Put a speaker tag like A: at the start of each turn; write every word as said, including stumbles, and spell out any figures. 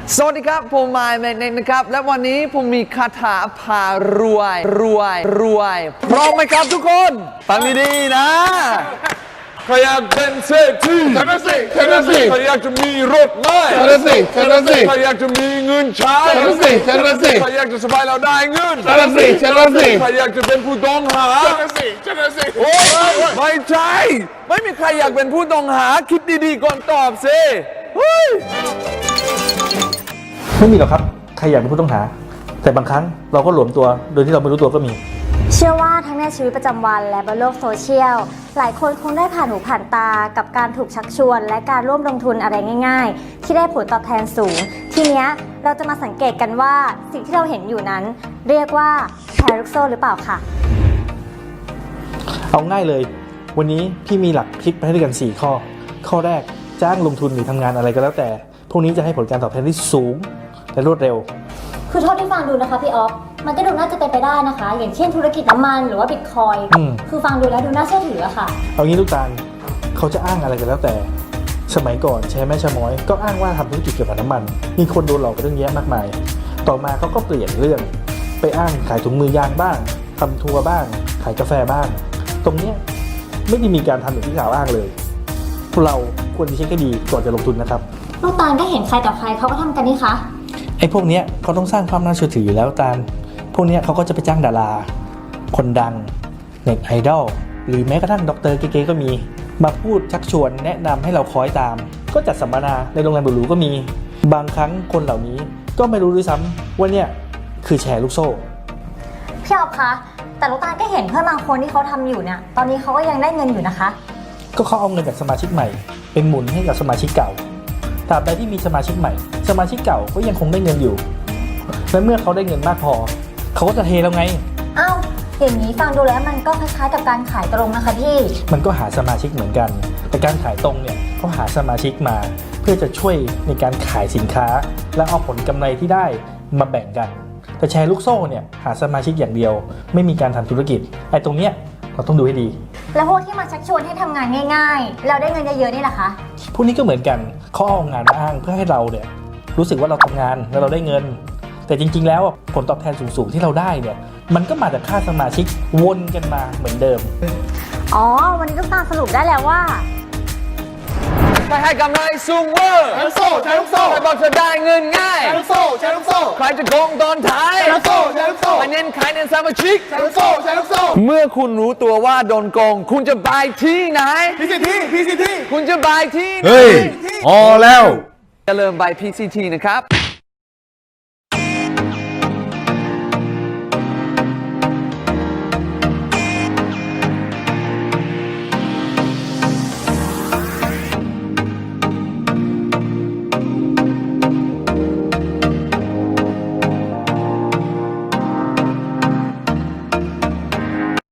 A: สวัสดีครับผมมายแมกเนตนะครับและวันนี้ผมมีคาถาพารวยรวยรวยพร้อมไหมครับทุกคนฟังดีๆนะใครอยากเป็นเศรษฐี
B: ฉันน่ะสิฉันน่ะสิ
A: ใครอยากจะมีรถไหม
B: ฉันน่ะสิฉันน่ะสิ
A: ใครอยากจะมีเงินใช้
B: ฉันน่ะสิฉันน่ะสิ
A: ใครอยากจะสบายเราได้เงิน
B: ฉันน่ะสิฉันน่ะสิ
A: ใครอยากจะเป็นผู้ต้องหา
B: ฉันน่ะสิฉันน่ะสิ
A: โอ้ยไม่ใช่ไม่มีใครอยากเป็นผู้ต้องหาคิดดีๆก่อนตอบสิเฮ้ย
C: ไม่มีหรอกครับใครอยากเป็นผู้ต้องหาแต่บางครั้งเราก็หลวมตัวโดยที่เราไม่รู้ตัวก็มี
D: เชื่อว่าทั้งในชีวิตประจำวันและบนโลกโซเชียลหลายคนคงได้ผ่านหูผ่านตากับการถูกชักชวนและการร่วมลงทุนอะไรง่ายๆที่ได้ผลตอบแทนสูงทีเนี้ยเราจะมาสังเกตกันว่าสิ่งที่เราเห็นอยู่นั้นเรียกว่าแชร์ลูกโซ่หรือเปล่าค่ะ
C: เอาง่ายเลยวันนี้พี่มีหลักคิดไปให้ด้วยกันสี่ข้อข้อแรกจ้างลงทุนหรือทำงานอะไรก็แล้วแต่พวกนี้จะให้ผลการตอบแทนที่สูงและรวดเร็ว
D: คือเท่าที่ฟังดูนะคะพี่ออฟมันก็ดูน่าจะเป็นไปได้นะคะอย่างเช่นธุรกิจน้ำมันหรือว่าบิตคอยน์คือฟังดูแล้วดูน่าเชื่อถืออะค่ะ
C: เอางี้ลูกตาลเขาจะอ้างอะไรกันแล้วแต่สมัยก่อนแชร์แม่ชะม้อยก็อ้างว่าทำธุรกิจเกี่ยวกับน้ำมันมีคนโดนหลอกไปเรื่องแยะมากมายต่อมาเขาก็เปลี่ยนเรื่องไปอ้างขายถุงมือยางบ้างทำทัวร์บ้างขายกาแฟบ้างตรงเนี้ยไม่ได้มีการทำอย่างที่กล่าวอ้างเลยเราควรจะเช็คให้ดีก่อนจะลงทุนนะครับ
D: ลูกตาลก็เห็นใครต่อใครเขาก็ทำกันนี่คะ
C: ไอ้พวกเนี้ยเขาต้องสร้างความน่าเชื่อถืออยู่แล้วตาลพวกเนี้ยเขาก็จะไปจ้างดาราคนดังเน็ตไอดอลหรือแม้กระทั่งด็อกเตอร์เก๋ๆก็มีมาพูดชักชวนแนะนำให้เราคอยตามก็จัดสัมมนาในโรงแรมหรูๆก็มีบางครั้งคนเหล่านี้ก็ไม่รู้ด้วยซ้ำว่าเนี่ยคือแชร์ลูกโซ่
D: พี่ออฟคะแต่ลูกตาลก็เห็นเพื่อนบางคนที่เขาทำอยู่เนี่ยตอนนี้เขาก็ยังได้เงินอยู่นะคะ
C: ก็เขาเอาเงินจากสมาชิกใหม่เป็นหมุนให้กับสมาชิกเก่าตราบใดที่มีสมาชิกใหม่สมาชิกเก่าก็ยังคงได้เงินอยู่และเมื่อเขาได้เงินมากพอเขาก็จะเทแล้วไง
D: อ้าวอย่างนี้ฟังดูแล้วมันก็คล้ายๆกับการขายตรงนะคะพี่
C: มันก็หาสมาชิกเหมือนกันแต่การขายตรงเนี่ยเขาหาสมาชิกมาเพื่อจะช่วยในการขายสินค้าและเอาผลกำไรที่ได้มาแบ่งกันแต่แชร์ลูกโซ่เนี่ยหาสมาชิกอย่างเดียวไม่มีการทำธุรกิจไอ้ตรงเนี้ยเราต้องดูให้ดี
D: แล้วพวกที่มาชักชวนให้ทำงานง่ายๆเราได้เงินเยอะๆนี่แหละคะ
C: พวกนี้ก็เหมือนกันเขาเอางานมาอ้างเพื่อให้เราเนี่ยรู้สึกว่าเราทำงานแล้วเราได้เงินแต่จริงๆแล้วผลตอบแทนสูงๆที่เราได้เนี่ยมันก็มาจากค่าสมาชิกวนกันมาเหมือนเดิม
D: อ๋อวันนี้ลูกตาลสรุปได้แล้วว่า
A: ใครให้กำไรสูงเวอร์
B: แชร์ลูกโซ่แชร์ลูกโซ่
A: ใครบอกจะได้เงินง่าย
B: แชร์ลูกโซ่แชร์ลูกโซ่
A: ใครจะโกงตอนท้าย
B: แชร์ลูกโซ่แชร์ลูกโซ่
A: ใครเน้นขายเน้นสมาชิก
B: แชร์ลูกโซ่แชร์ลูกโซ่
A: เมื่อคุณรู้ตัวว่าโดนโกงคุณจะไปที่ไหน
B: พี ซี ที พี ซี ที
A: คุณจะไปที่ไหน
E: เฮ้ยพอแล้ว
A: อย่าลืมไป พี ซี ที นะครับ